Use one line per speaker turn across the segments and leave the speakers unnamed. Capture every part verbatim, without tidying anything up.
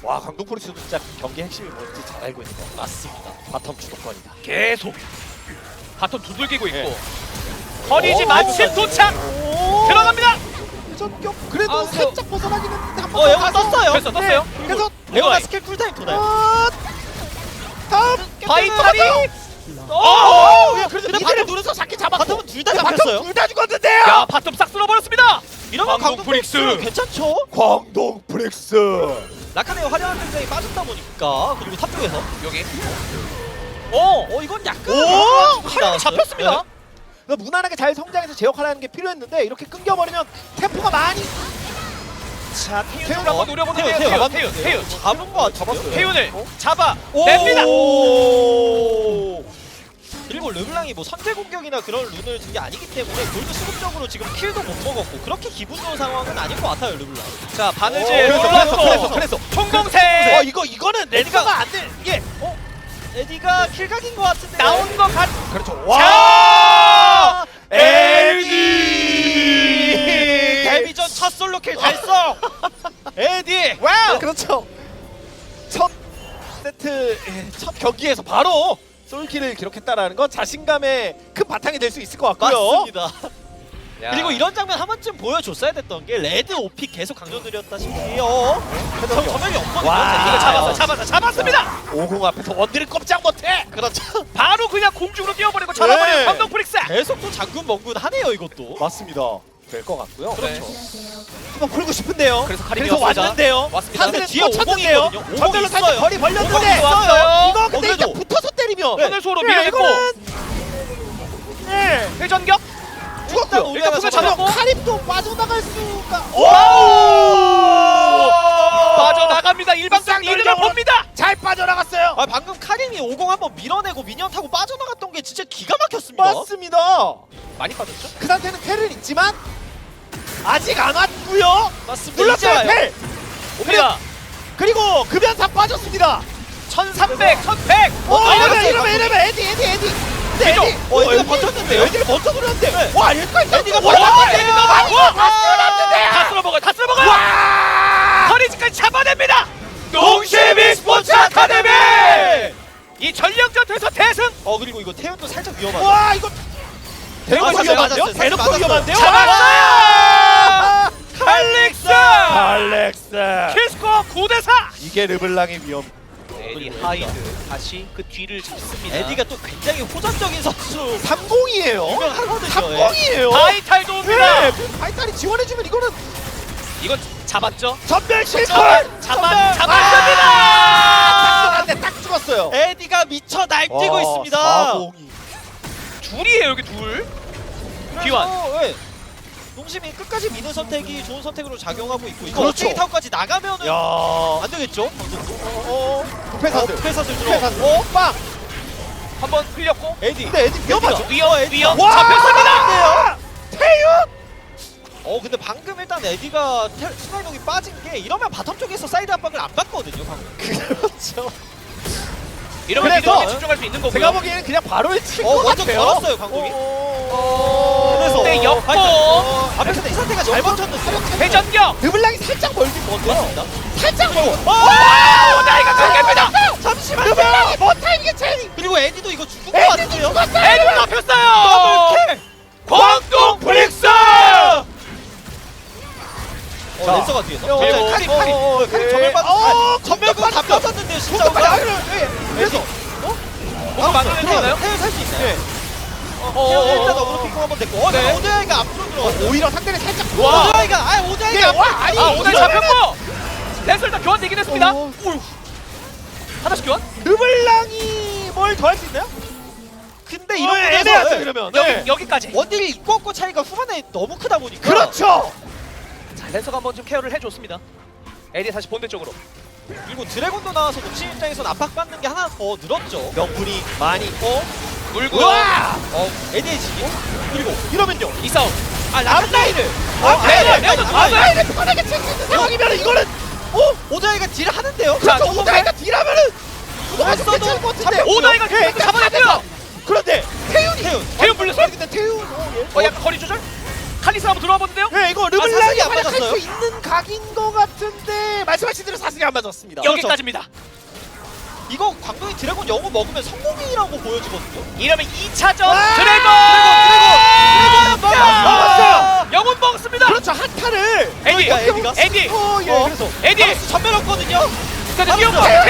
와 광동 프릭스도 진짜 경기 핵심이 뭔지 잘 알고 있는 거
맞습니다.
바텀 주도권이다.
계속 바톤 두들기고 있고 허리지
오,
마침
오,
도착
오.
들어갑니다.
회전격 그래도
아, 근데-
살짝 벗어나기는 했는데 한번
어, 에어가 떴어요.
됐어 떴어요.
그래서
레오나 스킬 쿨타임 도나요?
아, 다음
바이탈이
오!
오!
야, 그래도
근데
밑에를
바텀
누르서 잡긴 잡았고
바텀은 둘 다 잡혔어요.
둘다 죽었는데요.
야 바톤 싹 쓸어버렸습니다.
이러면
광동
광동
프릭스.
프릭스 괜찮죠?
광동 프릭스.
라카네오 화려한 등장이 빠졌다 보니까 그리고 탑 쪽에서
여기
어, 어 이건 약간
오!
칼이 잡혔습니다.
네.
그러니까 무난하게 잘 성장해서 제 역할을 하는 게 필요했는데 이렇게 끊겨버리면 템포가 많이
자,
태윤을 한번 노려보는데요.
태윤,
태윤,
태윤,
태윤, 태윤.
잡은 거 같은데요?
잡았어요.
태윤을
어?
잡아
오!
냅니다.
그리고 르블랑이 뭐 선제 공격이나 그런 룬을 든 게 아니기 때문에 골드 수급적으로 지금 킬도 못 먹었고 그렇게 기분 좋은 상황은 아닌 것 같아요 르블랑.
자
오,
바느질
그래서,
올랐고
그래서, 그래서.
총공세
어 이거 이거는 레드가 안 돼. 이게
어? 에디가 킬각인 것 같은데
나온 것 같.
그렇죠.
와!
와!
에디! 데뷔전 첫 솔로킬 달성! 에디!
와우! 그렇죠. 첫 세트 예, 첫 경기에서 바로 솔킬을 기록했다라는 건 자신감의 큰 바탕이 될 수 있을 것 같고요.
맞습니다.
야.
그리고 이런 장면 한 번쯤 보여줬어야 됐던 게 레드 오픽 계속 강조드렸다시피 어? 저, 점멸이 없거든요.
와.
이거 잡았어, 잡았어, 잡았습니다.
오공 앞에서 원딜을 꼼짝 못해.
그렇죠.
바로 그냥 공중으로 뛰어버리고 잡아버리는
네.
광동 프릭스.
계속 또 장군 멍군 하네요 이것도.
맞습니다. 될 것 같고요.
그렇죠.
한번 풀고 싶은데요.
그래서 카림이
그래서
왔습니다.
왔는데요.
왔습니다.
근데
하늘은
뒤에
또
오공이거든요.
쳤는데요.
오공이
전멸로 살짝
있어요.
거리 벌렸는데
오공이 왔어요.
이거 근데
어,
일단
그래도.
붙어서 때리면
하늘 소로
네,
밀어냈고
이거는 네.
회전격.
죽었고요.
일단
일단
잡았고.
잡았고
카림도 빠져나갈 수가.
오! 빠져나갑니다. 일방적 이득을
쌍둥이로.
봅니다.
잘 빠져나갔어요.
아 방금 카림이 오공 한번 밀어내고 미니언 타고 빠져나갔던 게 진짜 기가 막혔습니다.
맞습니다.
많이 빠졌죠?
그 상태는 텔은 있지만 아직 안 왔고요.
맞습니다. 이제
눌렀어요
와요.
텔.
옵니다.
그리고 급연사 빠졌습니다.
천삼백, 천백.
어,
어,
이러면
나갔어요,
이러면 이러면 에디 에디 에디. 근데
그죠?
에디,
어, 에디가
에디,
버텼는데요?
에디를 버텨 누렸는데.
네.
와, 여기까지
에디가
와,
버텼는데.
에디가 많이
와!
다 쓸어놨는데.
다 쓸어먹어요. 다 쓸어먹어요.
와!
허리지까지 잡아냅니다. 농심이 스포츠 아카데미. 이 전력전투에서 대승.
어 그리고 이거 태연도 살짝 위험하다.
와, 이거 대놓고
맞았어요,
위험한데요?
맞았어요.
대놓고
맞았어요.
위험한데요?
잡았어요. 칼릭스.
알렉스.
킬스코어 구 대 사.
이게 르블랑의 위험.
에디 하이드 다시 그 뒤를 잡습니다.
에디가 또 굉장히 호전적인 선수
삼공이에요.
유명하거든요.
삼공이에요.
바이탈도 옵니다.
네, 그 바이탈이 지원해주면 이거는
이건 잡았죠?
전멸 실패.
잡아, 잡아,
딱
잡았습니다.
쏘는데 딱 죽었어요.
에디가 미쳐 날뛰고
와,
있습니다.
사공이.
둘이에요 여기 둘. 귀환.
그래서, 예, 농심이 끝까지 미는 선택이 좋은 선택으로 작용하고 있고 이거
그렇죠.
어떻게 타고까지 나가면은
야.
안 되겠죠? 방송도.
어, 부패사들.
부패사들 들어.
부패사들. 어, 빵.
한번 흘렸고.
에디.
근데 에디 위험하죠.
위험, 위험.
와!
잡혔습니다.
태윤.
어 근데 방금 일단 에디가 테- 순간이동이 빠진 게 이러면 바텀 쪽에서 사이드 압박을 안 받거든요 방금.
그렇죠.
이러면
그래서
미드에 집중할 수 있는 거고요.
제가 보기에는 그냥 바로 일칠
어
것
먼저
같아요.
걸었어요 강동이.
어,
그래서
네, 엮고.
어, 앞에서 이 상태가 잘 버텼는데.
회전격.
르블랑이 살짝 멀긴 먼데요. 살짝 멀고.
와! 나이가 경계입니다.
잠시만요.
르블랑이 뭐 타이밍에 제일.
그리고 에디도 이거 죽은 거
에디도
같은데요?
죽었어요.
에디 잡혔어요.
더블킬.
광동 프릭스.
어,
자.
랜서가 뒤에서.
어,
진짜
어,
카림
어,
카림.
어,
카림
네.
전멸 받았.
어,
전멸 다
받았어.
뺏었는데요 진짜.
공격 받았어.
그래서
뭔가 만들어낼 수 있나요?
태연 살수 있나요?
네.
어, 태연 일단 어그로 핑퐁 한번 됐고. 어,
네.
네. 오데아이가 앞으로 들어왔어.
오히려 상대를 살짝.
와.
오데아이가 아 오데아이가
네,
앞으로.
와, 아니,
아 오늘
이러면은-
잡혔고. 랜서 일단 교환되긴 했습니다.
어.
오휴. 하나씩 교환?
르블랑이 뭘 더 할 수 있나요?
근데
어,
이런
애매하죠
거에서
그러면.
여기
네.
여기까지.
원딜이 있고 없고 차이가 후반에 너무 크다 보니까.
그렇죠.
자 랜서가 한번 좀 케어를 해줬습니다. 에디 다시 본대 쪽으로.
그리고 드래곤도 나와서 녹심 입장에서는 압박받는 게 하나 더 늘었죠.
명분이 많이.
어?
물고요.
우와!
어, 에디에이지. 그리고
이러면요.
이 싸움.
아 라칸라이를.
아,
네,
네,
네,
네.
네.
아, 라인을 편하게 칠 수 있는 상황이면 이거는
어? 오다이가 딜을 하는데요?
자,
그렇죠. 오다이가 딜하면은 이거 아주
했어도
괜찮을 것 같은데.
오다이가
예,
계속 잡아냈고요.
그런데 태윤이
태윤.
태윤 불렸어요?
근데 태윤 어, 예.
어 약간 거리 조절? 칼리스 한번 들어와 보는데요.
네, 이거
사슬이
르블랑이
안
활약할
맞았어요?
수 있는 각인 것 같은데 말씀하신 대로 사슬이 안 맞았습니다.
여기까지입니다.
이거 광동이 드래곤 영웅 먹으면 성공이라고 보여지거든요.
이러면 이 차전
아!
드래곤
드래곤! 드래곤!
야!
먹었어요!
영혼 먹었습니다.
그렇죠, 한타를
에디
그러니까 에디가?
에디
어, 예,
어.
그래서
에디
바로스 전멸 없거든요.
그래서 뛰어
바로스!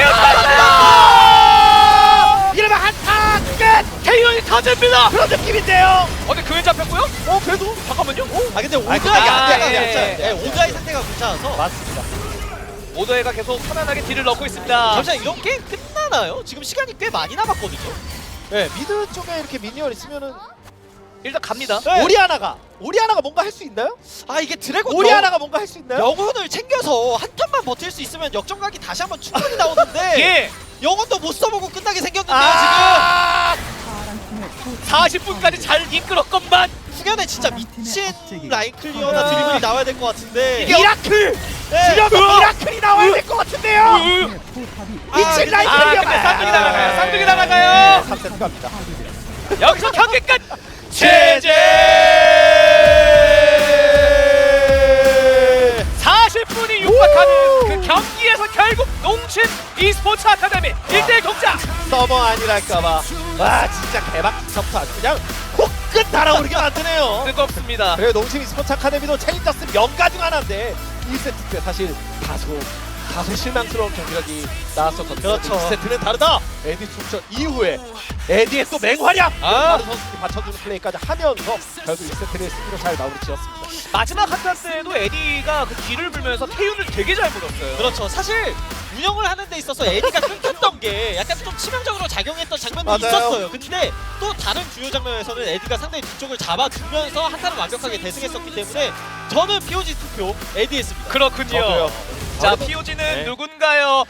태웠다.
이러면 한타 끝!
태연이 터집니다.
그런 느낌인데요.
어, 근데 그에 잡혔고요?
어, 그래도
잠깐만요.
아 근데
근데
오자이
안 돼, 안
상태가
돼, 안 돼,
괜찮아요.
안 돼,
네,
안 돼.
오자이 상태가 괜찮아서
맞습니다.
오더해가 계속 편안하게 딜을 넣고 있습니다.
잠시만 이런 게임 끝나나요? 지금 시간이 꽤 많이 남았거든요.
네, 미드 쪽에 이렇게 미니언 있으면은
일단 갑니다.
네.
오리아나가 오리아나가 뭔가 할 수 있나요?
아 이게 드래곤
오리아나가 뭔가 할 수 있나요?
영혼을 챙겨서 한 턴만 버틸 수 있으면 역전각이 다시 한번 충분히 나오는데
예.
영혼도 못 써보고 끝나게 생겼는데요
아,
사십 분까지 잘 이끌었건만
지금. 후견에 진짜 미친 라인 클리어나 드리블이 나와야 될 것 같은데
이게
미라클!
네.
지려서 미라클이 나와야 될 것 같은데요. 미친 라인
아,
클리어
근데 쌍둥이 날아가요. 쌍둥이 날아가요.
삼 세트 갑니다.
여기서 경기 끝.
제제!
사십 분이 육박하는 그 경기에서 결국 농심 e스포츠 아카데미 일 대 일 동작.
서버 아니랄까봐. 와, 진짜 개박부터 아주 그냥 코끝 달아오르게 만드네요.
뜨겁습니다.
그리고 농심 e스포츠 아카데미도 챌린저스 명가 중 하나인데 일 세트 때 사실 다소 다소 실망스러운 경기력이 나왔었거든요.
그렇죠.
이 세트는 다르다. 에디 출전 이후에 에디의 또 맹활약.
아.
다른 선수들이 받쳐주는 플레이까지 하면서 결국 일 세트를 승리로 잘 마무리 지었습니다.
마지막 한타 때도 에디가 그 뒤를 불면서 태윤을 되게 잘 물었어요.
그렇죠. 사실 운영을 하는 데 있어서 에디가 끊겼던 게 약간 좀 치명적으로 작용했던 장면도
맞아요.
있었어요. 근데 또 다른 주요 장면에서는 에디가 상대의 뒤쪽을 잡아주면서 한타를 완벽하게 대승했었기 때문에 저는 피오지 투표 에디 했습니다.
그렇군요.
저도요.
자,
저도-
피오지는
네.
누군가요?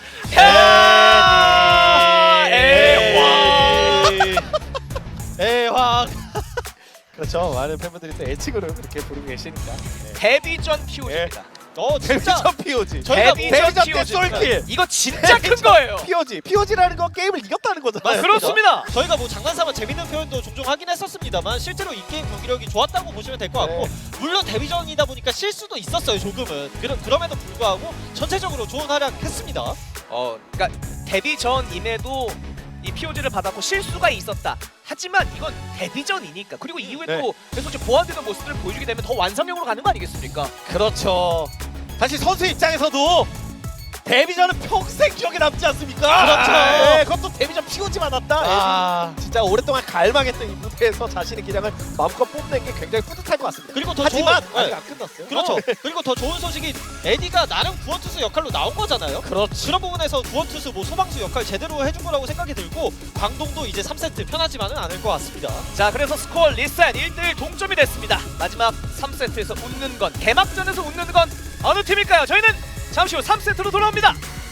야! 에와!
에왕.
그렇죠. 많은 팬분들이 또 애칭으로 그렇게 부르고 계시니까. 네.
데뷔전 피오지입니다.
어 진짜
데뷔전 피오지.
저희가
데뷔전
데뷔전 때
피오지입니다.
솔킬.
이거 진짜 큰 거예요.
피오지. 피오지라는 건 게임을 이겼다는 거잖아요.
아, 그렇습니다.
저희가 뭐 장난삼아 재밌는 표현도 종종 하긴 했었습니다만 실제로 이 게임 경기력이 좋았다고 보시면 될 것 같고
네.
물론 데뷔전이다 보니까 실수도 있었어요 조금은. 그러, 그럼에도 불구하고 전체적으로 좋은 활약했습니다.
어, 그러니까 데뷔 전임에도 이 피오지를 받았고 실수가 있었다. 하지만 이건 데뷔전이니까 그리고 이후에
네.
또 계속 이제 보완되는 모습들을 보여주게 되면 더 완성형으로 가는 거 아니겠습니까?
그렇죠. 사실 선수 입장에서도 데뷔전은 평생 기억에 남지 않습니까?
그렇죠.
네, 그것도 데뷔전 피오지 받았다.
아.
에디 진짜 오랫동안 갈망했던 이 무대에서 자신의 기량을 마음껏 뽐낸 게 굉장히 뿌듯할 것 같습니다.
그리고 더
하지만
좋은,
아직
네.
안 끝났어요.
그렇죠.
어.
그리고 더 좋은 소식이 에디가 나름 구원투수 역할로 나온 거잖아요.
그렇죠.
그런 부분에서 구원투수 뭐 소방수 역할 제대로 해준 거라고 생각이 들고 광동도 이제 삼 세트 편하지만은 않을 것 같습니다.
자, 그래서 스코어 리셋 일 대 일 동점이 됐습니다. 마지막 삼 세트에서 웃는 건 개막전에서 웃는 건 어느 팀일까요? 저희는 잠시 후 삼 세트로 돌아옵니다.